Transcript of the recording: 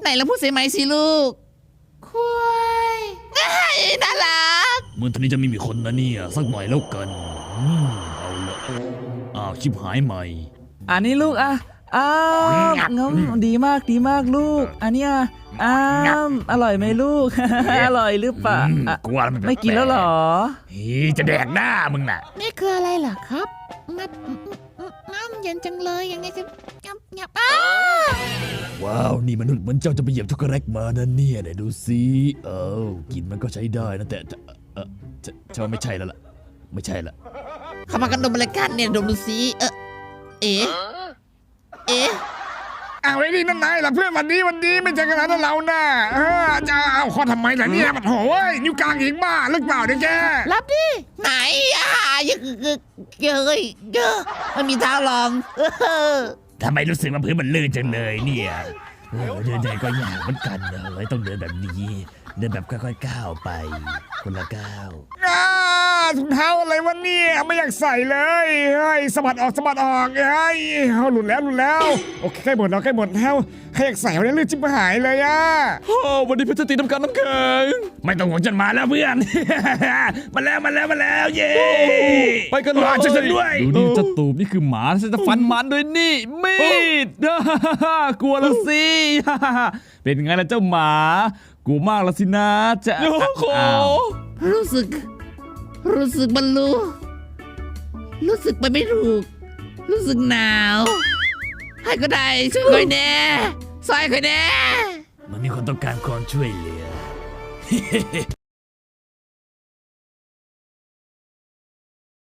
ไหนเราพูดเสียไหมสิลูกคุยน่ารักเมื่อตอนนี้จะไม่มีคนนะเนี่ยสักหน่อยแล้วกันเอาละชิบหายใหม่อันนี้ลูกงั้นดีมากลูกอันเนี้ยอร่อยไหมลูก อร่อยหรือเปล่าไม่กินแล้วหรอจะแดกหน้ามึงน่ะนี่คืออะไรเหรอครับน้ำเย็นจังเลยยังไงจะงับว้าวนี่มนุษย์เหมือนเจ้าจะไปเหยียบช็อกโกแลตมานั่นเนี่ยไหนดูสิกินมันก็ใช้ได้นะแต่เจ้าไม่ใช่แล้วล่ะไม่ใช่ละเข้ามากันดมอะไรกันเนี่ยดมดูสิเอ๊ะไอ้นี่นั่นนายล่ะเพื่อนวันนี้ไม่ใช่ขนาดนั้นเราน่ะจะเอาข้อทำไมล่ะเนี่ยมันโหยนิ้วกลางอีกบ้าหรือเปล่าเนี่ยแกรับดิไหนเยอะมันมีเท้าลองทำไมรู้สึกว่าพื้นมันลื่นจังเลยเนี่ยเดินใจก็ยากเหมือนกันเลยต้องเดินแบบนี้เดินแบบค่อยๆก้าวไปคนละก้าวถุงเท้าอะไรวะเนี่ยไม่อยากใส่เลยสะบัดออกหลุดแล้วโอเคใกล้หมดแล้วใกล้หมดแล้วใครอยากใส่วันนี้ลื่นจิ๊บหายเลยวันนี้เพชรตีน้ำกันน้ำแข็งไม่ต้องห่วงฉันมาแล้วเพื่อนมาแล้วเย้ไปกันเลยช่วยฉันด้วยดูนี่จะตูบนี่คือหมาฉันจะฟันมันด้วยนี่มีดกลัวละสิเป็นไงล่ะเจ้าหมากลัวมากละสินะจะรู้สึกมันรู้สึกไปไม่ถูกรู้สึกหนาวให้ก็ได้ช่วยหน่อยแน่ซอยหน่อยแน่มันมีคนต้องการความช่วยเหลือ